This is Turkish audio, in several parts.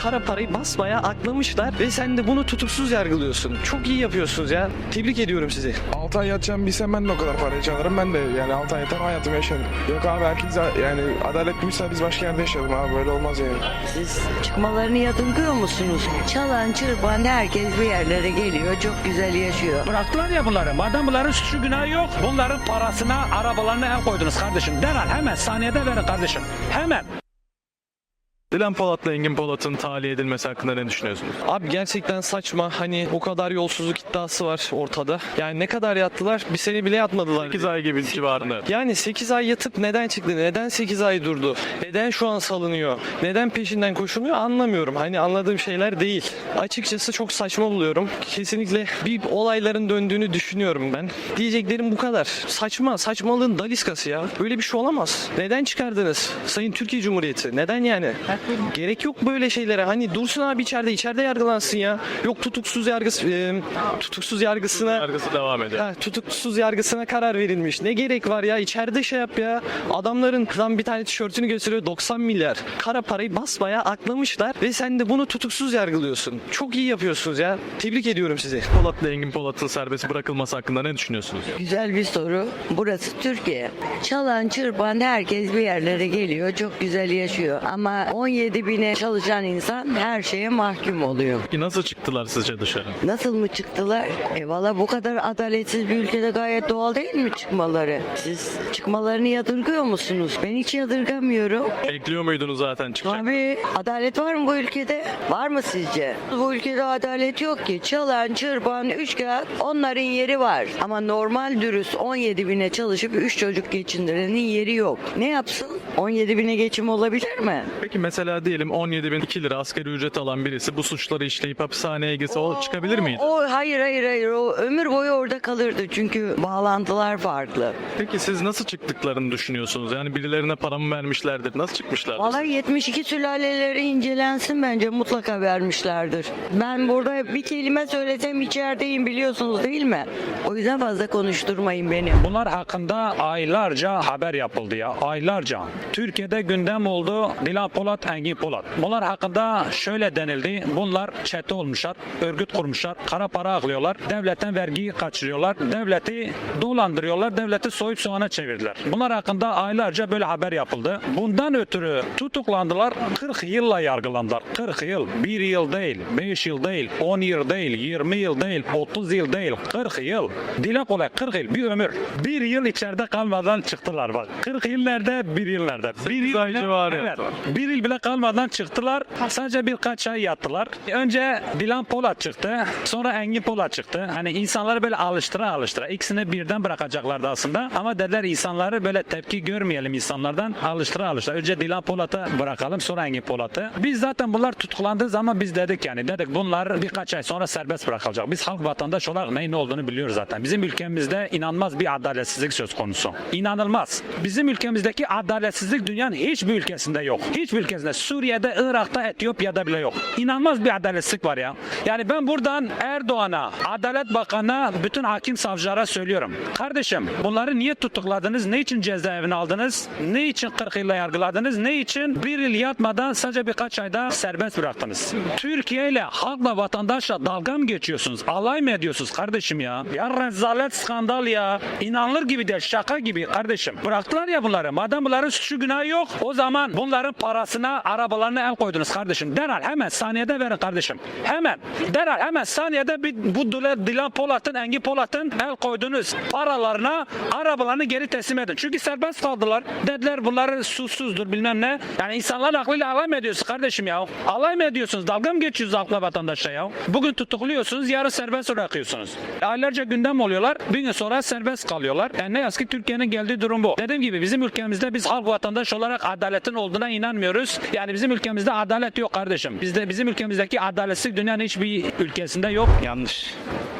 kara parayı basmaya aklamışlar ve sen de bunu tutuksuz yargılıyorsun. Çok iyi yapıyorsunuz ya. Tebrik ediyorum sizi. 6 ay yatacağım bilsem ben de o kadar parayı çalarım. Ben de yani 6 ay yatar hayatımı yaşarım. Yok abi herkes yani adaletliyse biz başka yerde yaşayalım abi, böyle olmaz yani. Siz çıkmalarını yadırgıyor musunuz? Çalan çırpan herkes bir yerlere geliyor, çok güzel yaşıyor. Bıraktılar ya bunları. Madem bunların suçu günahı yok, bunların parasına, arabalarına el koydunuz kardeşim. Derhal hemen saniyede verin kardeşim. Hemen. Dilan Polat'la Engin Polat'ın tahliye edilmesi hakkında ne düşünüyorsunuz? Abi gerçekten saçma. Hani o kadar yolsuzluk iddiası var ortada. Yani ne kadar yattılar? Bir sene bile yatmadılar. 8 ay gibi civarında. Yani 8 ay yatıp neden çıktı? Neden 8 ay durdu? Neden şu an salınıyor? Neden peşinden koşulmuyor? Anlamıyorum. Hani anladığım şeyler değil. Açıkçası çok saçma buluyorum. Kesinlikle bir olayların döndüğünü düşünüyorum ben. Diyeceklerim bu kadar. Saçma. Saçmalığın daliskası ya. Böyle bir şey olamaz. Neden çıkardınız? Sayın Türkiye Cumhuriyeti. Neden yani? Gerek yok böyle şeylere. Hani dursun abi içeride yargılansın ya. Yok tutuksuz yargısına Yargısı devam ediyor. tutuksuz yargısına karar verilmiş. Ne gerek var ya? İçeride şey yap ya. Adamların bir tane tişörtünü gösteriyor, 90 milyar. Kara parayı basmaya aklamışlar ve sen de bunu tutuksuz yargılıyorsun. Çok iyi yapıyorsunuz ya. Tebrik ediyorum sizi. Polat'la Engin Polat'ın serbest bırakılması hakkında ne düşünüyorsunuz? Güzel bir soru. Burası Türkiye. Çalan çırpan herkes bir yerlere geliyor, çok güzel yaşıyor. Ama 17 bine çalışan insan her şeye mahkum oluyor. Ki nasıl çıktılar sizce dışarı? Nasıl mı çıktılar? Valla bu kadar adaletsiz bir ülkede gayet doğal değil mi çıkmaları? Siz çıkmalarını yadırgıyor musunuz? Ben hiç yadırgamıyorum. Bekliyor muydunuz zaten çıkacak? Abi adalet var mı bu ülkede? Var mı sizce? Bu ülkede adalet yok ki. Çalan, çırpan, üçkağıt onların yeri var. Ama normal dürüst 17 bine çalışıp 3 çocuk geçindirenin yeri yok. Ne yapsın? 17 bine geçim olabilir mi? Peki mesela diyelim 17.002 lira asgari ücret alan birisi bu suçları işleyip hapishaneye gitse o çıkabilir miydi? Hayır. O ömür boyu orada kalırdı. Çünkü bağlantılar farklı. Peki siz nasıl çıktıklarını düşünüyorsunuz? Yani birilerine para mı vermişlerdir? Nasıl çıkmışlardır? Vallahi 72 sülaleleri incelensin, bence mutlaka vermişlerdir. Ben burada bir kelime söylesem içerideyim, biliyorsunuz değil mi? O yüzden fazla konuşturmayın beni. Bunlar hakkında aylarca haber yapıldı ya. Aylarca. Türkiye'de gündem oldu Dilan Polat, Engin Polat. Bunlar hakkında şöyle denildi. Bunlar çete olmuşlar, örgüt kurmuşlar, kara para aklıyorlar, devletten vergiyi kaçırıyorlar, devleti dolandırıyorlar, devleti soyup soğana çevirdiler. Bunlar hakkında aylarca böyle haber yapıldı. Bundan ötürü tutuklandılar, 40 yılla yargılandılar. 40 yıl, 1 yıl değil, 5 yıl değil, 10 yıl değil, 20 yıl değil, 30 yıl değil, 40 yıl. Dile kolay 40 yıl, bir ömür. 1 yıl içeride kalmadan çıktılar bak. 40 yıl nerede, 1 yıl nerede? 1 yıl ay civarı evet, yattılar. 1 yıl bile kalmadan çıktılar. Sadece birkaç ay yattılar. Önce Dilan Polat çıktı. Sonra Engin Polat çıktı. Hani insanları böyle alıştıra ikisini birden bırakacaklardı aslında. Ama dediler insanları böyle tepki görmeyelim insanlardan. Alıştıra. Önce Dilan Polat'ı bırakalım, sonra Engin Polat'ı. Biz zaten bunlar tutuklandığı zaman biz dedik bunlar birkaç ay sonra serbest bırakılacak. Biz halk vatandaş olarak neyin olduğunu biliyoruz zaten. Bizim ülkemizde inanılmaz bir adaletsizlik söz konusu. İnanılmaz. Bizim ülkemizdeki adaletsizlik dünyanın hiçbir ülkesinde yok. Hiçbir ülkesinde. Suriye'de, Irak'ta, Etiyopya'da bile yok. İnanılmaz bir adaletsizlik var ya. Yani ben buradan Erdoğan'a, Adalet Bakanı'na, bütün hakim savcılara söylüyorum. Kardeşim bunları niye tutukladınız? Ne için cezaevine aldınız? Ne için 40 yılla yargıladınız? Ne için 1 yıl yatmadan sadece birkaç ayda serbest bıraktınız? Türkiye ile, halkla, vatandaşla dalga mı geçiyorsunuz? Alay mı ediyorsunuz kardeşim ya? Ya rezalet, skandal ya. İnanılır gibi değil, şaka gibi kardeşim. Bıraktılar ya bunları. Madem bunların suçu günahı yok, o zaman bunların parasına, arabalarına el koydunuz kardeşim. Derhal hemen saniyede verin kardeşim. Hemen. Derhal hemen saniyede bu Dilan Polat'ın, Engin Polat'ın el koydunuz paralarına, arabalarını geri teslim edin. Çünkü serbest kaldılar. Dediler bunları susuzdur bilmem ne. Yani insanların aklıyla alay mı ediyorsunuz kardeşim ya? Alay mı ediyorsunuz? Dalga mı geçiyorsunuz halkla, vatandaşa ya? Bugün tutukluyorsunuz, yarın serbest bırakıyorsunuz. Aylarca gündem oluyorlar, bir gün sonra serbest kalıyorlar. Yani ne yazık ki Türkiye'nin geldiği durum bu. Dediğim gibi bizim ülkemizde biz halk vatandaş olarak adaletin olduğuna inanmıyoruz. Yani bizim ülkemizde adalet yok kardeşim. Bizim ülkemizdeki adaletsizlik dünyanın hiçbir ülkesinde yok. Yanlış.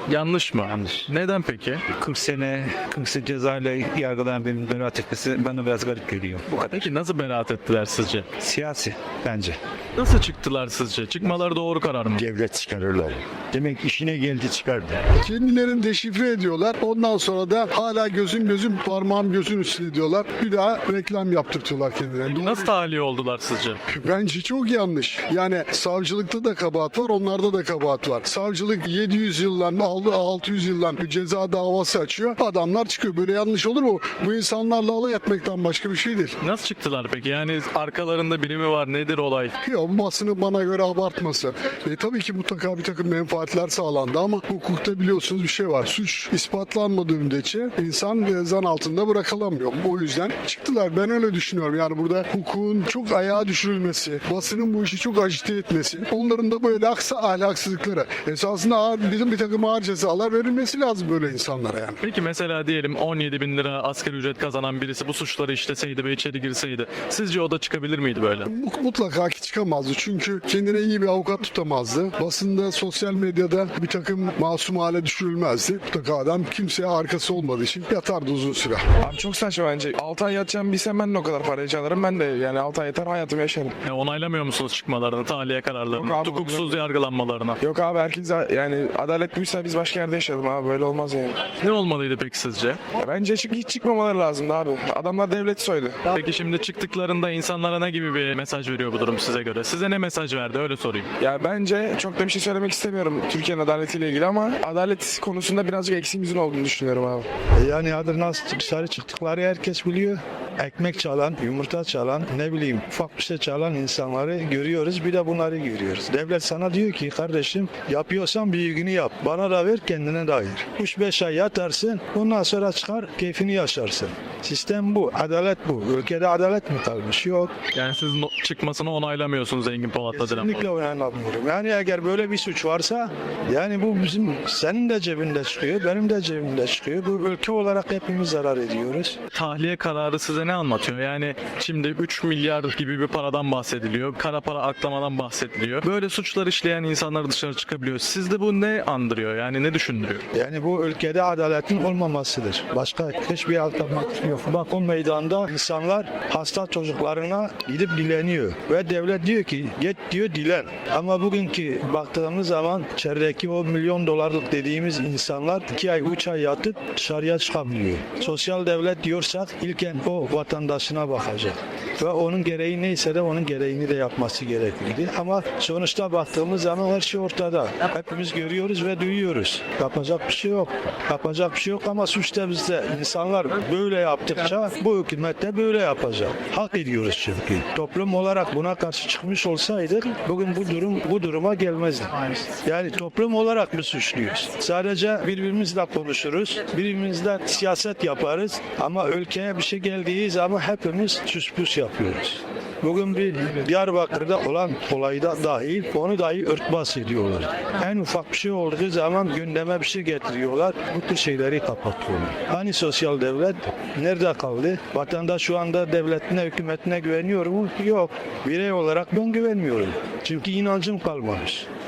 Yanlış mı? Yanlış. Neden peki? 40 sene cezayla yargılanan birinin beraat etmesi bana biraz garip geliyor. Bu kadar. Peki nasıl beraat ettiler sizce? Siyasi bence. Nasıl çıktılar sizce? Çıkmaları doğru karar mı? Devlet çıkarırlar. Demek işine geldi çıkardı. Kendilerini deşifre ediyorlar. Ondan sonra da hala gözüm parmağım gözün üstüne diyorlar. Bir daha reklam yaptırtıyorlar kendilerine. Nasıl tahliye oldular sizce? Bence çok yanlış. Yani savcılıkta da kabahat var, onlarda da kabahat var. Savcılık 700 yıldan 600 yıldan bir ceza davası açıyor. Adamlar çıkıyor. Böyle yanlış olur mu? Bu insanlarla alay etmekten başka bir şey değil. Nasıl çıktılar peki? Yani arkalarında biri mi var? Nedir olay? Ya basını bana göre abartması. Tabii ki mutlaka bir takım menfaatler sağlandı ama hukukta biliyorsunuz bir şey var. Suç ispatlanmadığı müddetçe insan zan altında bırakılamıyor. O yüzden çıktılar. Ben öyle düşünüyorum. Yani burada hukukun çok ayağa düşürülmesi, basının bu işi çok agite etmesi, onların da böyle ahlaksızlıkları. Esasında bizim bir takım ağır cezalar verilmesi lazım böyle insanlara yani. Peki mesela diyelim 17 bin lira asgari ücret kazanan birisi bu suçları işleseydi ve içeri girseydi sizce o da çıkabilir miydi böyle? Mutlaka ki çıkamazdı. Çünkü kendine iyi bir avukat tutamazdı. Basında, sosyal medyada bir takım masum hale düşürülmezdi. Mutlaka adam kimseye arkası olmadığı için yatardı uzun süre. Abi çok saçma bence. 6 ay yatacağım bilsem ben de o kadar parayı çalarım. Ben de yani 6 ay yatar hayatımı yaşarım. Onaylamıyor musunuz çıkmalarını, tahliye kararlarını, Yok abi, hukuksuz yargılanmalarına? Yok abi herkes yani adalet buysa biz başka yerde yaşayalım abi. Böyle olmaz yani. Ne olmalıydı peki sizce? Ya bence hiç çıkmamaları lazımdı abi. Adamlar devleti soydu. Peki şimdi çıktıklarında insanlara ne gibi bir mesaj veriyor bu durum size göre? Size ne mesaj verdi öyle sorayım. Ya bence çok da bir şey söylemek istemiyorum Türkiye'nin adaletiyle ilgili ama adalet konusunda birazcık eksiğimizin olduğunu düşünüyorum abi. Yani adı nasıl dışarı çıktıkları herkes biliyor. Ekmek çalan, yumurta çalan, ne bileyim ufak bir şey çalan insanları görüyoruz. Bir de bunları görüyoruz. Devlet sana diyor ki kardeşim yapıyorsan büyüğünü yap. Bana da ver kendine dair. 3-5 ay yatarsın. Ondan sonra çıkar keyfini yaşarsın. Sistem bu. Adalet bu. Ülkede adalet mi kalmış? Yok. Yani siz çıkmasını onaylamıyorsunuz Engin Polat'la Dilan Polat. Kesinlikle oynanamıyorum. Yani eğer böyle bir suç varsa yani bu bizim senin de cebinde çıkıyor, benim de cebimde çıkıyor. Bu ülke olarak hepimiz zarar ediyoruz. Tahliye kararı size ne anlatıyor? Yani şimdi 3 milyar gibi bir paradan bahsediliyor. Kara para aklamadan bahsediliyor. Böyle suçlar işleyen insanlar dışarı çıkabiliyor. Sizde bu ne andırıyor? Yani ne düşündürüyor? Yani bu ülkede adaletin olmamasıdır. Başka hiçbir alternatif yok. Bak o meydanda insanlar hasta çocuklarına gidip dileniyor. Ve devlet diyor ki git diyor dilen. Ama bugünkü baktığımız zaman içerideki o milyon dolarlık dediğimiz insanlar 2 ay 3 ay yatıp dışarıya çıkabiliyor. Sosyal devlet diyorsak ilken o vatandaşına bakacak. Ve onun gereği neyse de onun gereğini de yapması gerekirdi. Ama sonuçta baktığımız zaman her şey ortada. Hepimiz görüyoruz ve duyuyoruz. Yapacak bir şey yok. Yapacak bir şey yok ama suç da bizde. İnsanlar böyle yaptıkça bu hükümet de böyle yapacak. Hak ediyoruz çünkü. Toplum olarak buna karşı çıkmış olsaydık bugün bu duruma gelmezdi. Yani toplum olarak biz suçluyuz. Sadece birbirimizle konuşuruz. Birbirimizle siyaset yaparız. Ama ülkeye bir şey geldiği zaman hepimiz süspüs yapıyoruz. Bugün bir Diyarbakır'da olan olayda dahil onu dahi örtbas ediyorlar. En ufak bir şey olduğu zaman gündeme bir şey getiriyorlar. Bu tür şeyleri kapatıyorlar. Hani sosyal devlet nerede kaldı? Vatandaş şu anda devletine, hükümetine güveniyor mu? Yok. Birey olarak ben güvenmiyorum. Çünkü inancım kalmamış.